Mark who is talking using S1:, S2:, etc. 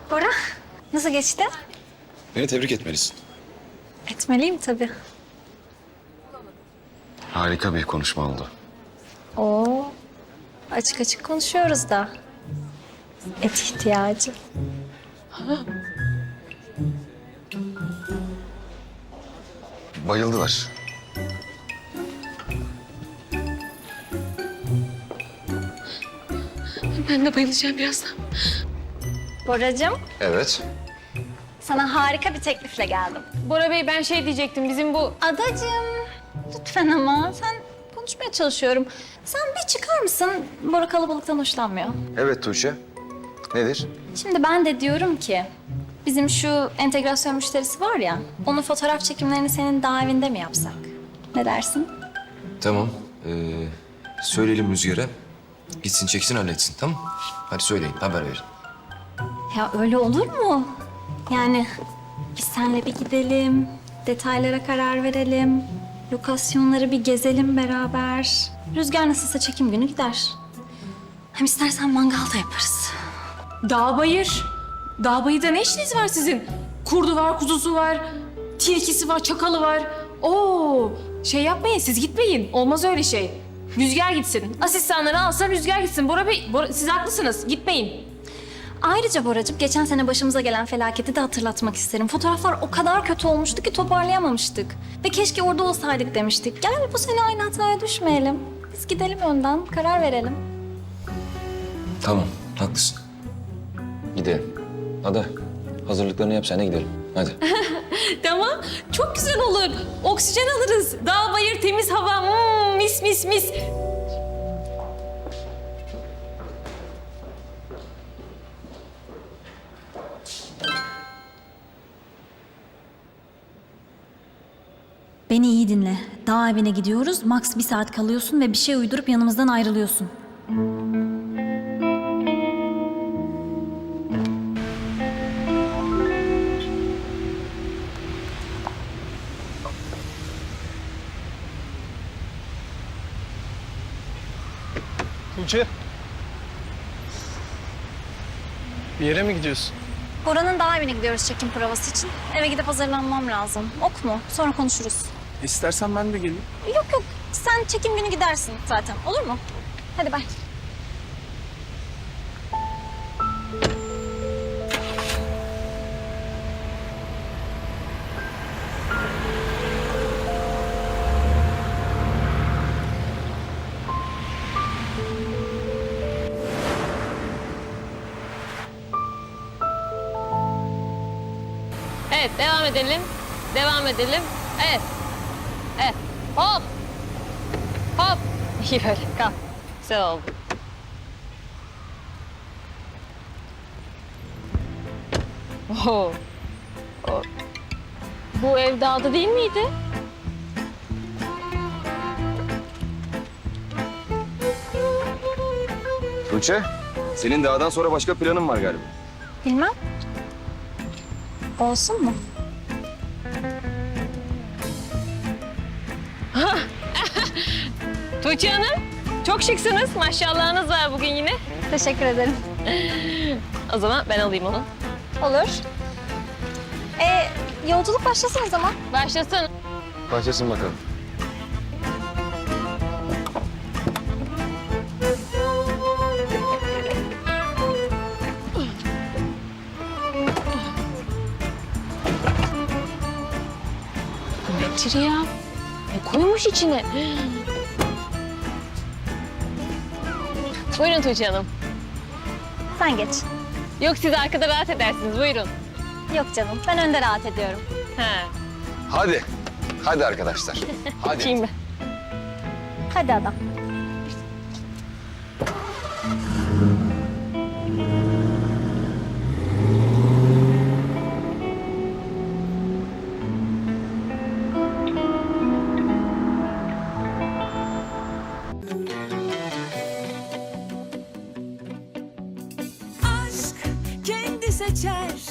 S1: Bora, nasıl geçti?
S2: Beni tebrik etmelisin.
S1: Etmeliyim tabii.
S2: Harika bir konuşma oldu.
S1: Oo, açık açık konuşuyoruz da. Et ihtiyacı.
S2: Bayıldılar.
S3: Ben de bayılacağım birazdan.
S1: Boracığım,
S2: Evet.
S1: sana harika bir teklifle geldim.
S3: Bora Bey ben şey diyecektim bizim bu...
S1: Adacığım, lütfen ama sen konuşmaya çalışıyorum. Sen bir çıkar mısın? Bora kalabalıktan hoşlanmıyor.
S2: Evet Tuğçe. Nedir?
S1: Şimdi ben de diyorum ki, bizim şu entegrasyon müşterisi var ya, onun fotoğraf çekimlerini senin daha evinde mi yapsak? Ne dersin?
S4: Tamam. Söyleyelim Rüzgar'a. Gitsin çeksin halletsin tamam. Hadi söyleyin haber verin.
S1: Ya öyle olur mu? Yani biz seninle bir gidelim, detaylara karar verelim, lokasyonları bir gezelim beraber. Rüzgar nasılsa çekim günü gider. Hem istersen mangal da yaparız.
S3: Dağ bayır. Dağ bayırda ne işiniz var sizin? Kurdu var, kuzusu var, tilkisi var, çakalı var. Oo, şey yapmayın siz gitmeyin. Olmaz öyle şey. Rüzgar gitsin. Asistanları alsın Rüzgar gitsin. Bora Bey, siz haklısınız. Gitmeyin.
S1: Ayrıca Boracığım geçen sene başımıza gelen felaketi de hatırlatmak isterim. Fotoğraflar o kadar kötü olmuştu ki toparlayamamıştık. Ve keşke orada olsaydık demiştik. Gel bu sene aynı hataya düşmeyelim. Biz gidelim önden, karar verelim.
S4: Tamam haklısın. Gidelim. Ada hazırlıklarını yap sen de gidelim. Hadi.
S3: Tamam, çok güzel olur. Oksijen alırız. Dağ bayır, temiz hava. Mis mis mis.
S1: Beni iyi dinle. Dağ evine gidiyoruz. Max 1 saat kalıyorsun ve bir şey uydurup yanımızdan ayrılıyorsun.
S5: Tuğçe. Bir yere mi gidiyorsun?
S1: Bora'nın dağ evine gidiyoruz çekim provası için. Eve gidip hazırlanmam lazım. Ok mu? Sonra konuşuruz.
S5: İstersen ben de geleyim.
S1: Yok yok. Sen çekim günü gidersin zaten. Olur mu? Hadi bay.
S3: Evet, devam edelim. Devam edelim. Evet. Evet. Hop. Hop. İyi böyle. Kalk. Güzel oldu. Oho. Bu ev dağda değil miydi?
S2: Tuğçe, senin dağdan sonra başka planın var galiba.
S1: Bilmem. Olsun mu?
S3: Tuğçe Hanım, çok şıksınız. Maşallahınız var bugün yine.
S1: Teşekkür ederim.
S3: O zaman ben alayım onu.
S1: Olur. Yolculuk başlasın o zaman.
S3: Başlasın.
S2: Başlasın bakalım.
S3: Nedir ya? Ne koymuş içine? Buyurun Tuğçe Hanım.
S1: Sen geç.
S3: Yok siz arkada rahat edersiniz. Buyurun.
S1: Yok canım. Ben önde rahat ediyorum.
S3: Ha.
S2: Hadi. Hadi arkadaşlar. Hadi.
S3: Açayım ben.
S1: Hadi adam.
S6: Aşk kendi seçer